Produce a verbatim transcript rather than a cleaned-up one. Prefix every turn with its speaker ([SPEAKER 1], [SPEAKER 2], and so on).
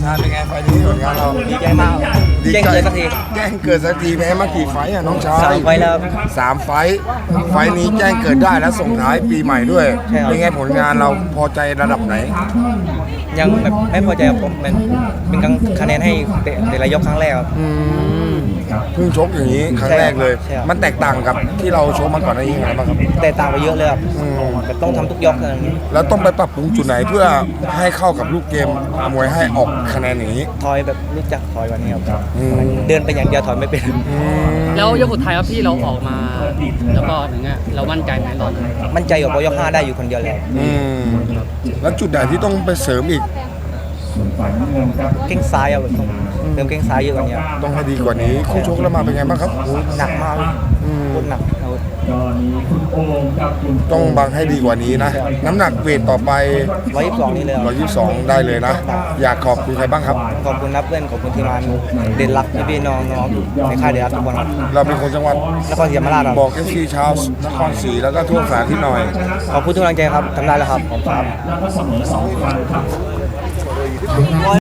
[SPEAKER 1] งานเป็นไงไฟล์นี้ผลงานเรา
[SPEAKER 2] ดีใจมากแจ้งเกิดสักที
[SPEAKER 1] แจ้งเกิดสักทีแพ้มากี่ไฟล์อ่ะน้องชาย
[SPEAKER 2] สามไฟล์แล้ว
[SPEAKER 1] สามไฟล์ไฟล์นี้แจ้งเกิดได้แล้วส่งท้ายปีใหม่ด้วย
[SPEAKER 2] ใช่ครับ
[SPEAKER 1] เป็นไงผลงานเราพอใจระดับไหน
[SPEAKER 2] ยังแบบไม่พอใจกับผมเป็นเป็นการคะแนนให้แต่ละยกครั้งแรกครับ
[SPEAKER 1] อืมเพิ่งชกอย่างนี้ครั้งแรกเลย
[SPEAKER 2] ใช่ครับ
[SPEAKER 1] มันแตกต่างกับที่เราชกมาก่อนหน้านี้ยังไงบ้างครับ
[SPEAKER 2] แต่ต่างไปเยอะเลยครับ
[SPEAKER 1] อืม
[SPEAKER 2] แบบต้องทำทุกยกเลย
[SPEAKER 1] แล้วต้องไปปรับปรุงจุดไหนเพื่อให้เข้ากับลูกเกมมวยให้ออกคะแนนอย่างนี้
[SPEAKER 2] ถอยแบบรู้จักถอยวันนี้ครับ
[SPEAKER 1] อืม
[SPEAKER 2] เดินไปอย่างเดียวถอยไม่เป็น
[SPEAKER 1] อืม
[SPEAKER 3] แล้วยกสุดท้ายครับที่เราออกมา แล้วก็ถึงเงี้ยเรามั่นใจไหมตอนนั้น
[SPEAKER 2] มั่นใจกับพอยกห้าได้อยู่คนเดียวเลย
[SPEAKER 1] อืมแล้วจุดไหนที่ต้องไปเสริมอีก
[SPEAKER 2] เก่งซ้ายอะแบบต้องเติมเก่งซ้ายเยอะกว่านี้ครับ
[SPEAKER 1] ต้องให้ดีกว่านี้คู่ชกแล้วมาเป็นไงบ้างครับ
[SPEAKER 2] โอ้ยหนักมากเลย
[SPEAKER 1] อืม
[SPEAKER 2] โคตรหนักเอา
[SPEAKER 1] ต้องบังให้ดีกว่านี้นะ น้ำหนักเวทต่อไป
[SPEAKER 2] ร้อยยี่สิบสองนี่เลยครับ
[SPEAKER 1] หนึ่งร้อยยี่สิบสองได้เลยนะ อยากขอบคุณใครบ้างครับ
[SPEAKER 2] ขอบคุณนับเพื่อนขอบคุณทีมงานเด่นรักพี่ๆน้องๆในค่ายเด่นรักทุกคนครับ
[SPEAKER 1] เราเป็นคนจังหวัด
[SPEAKER 2] นครศรีธรรมราชครับ
[SPEAKER 1] บอกเอฟซีชาวนครศรีแล้วก็ทั่วสาที่หน่อย
[SPEAKER 2] ขอบคุณทุกกำลังใจครับทำได้แล้วครับขอบคุณครับ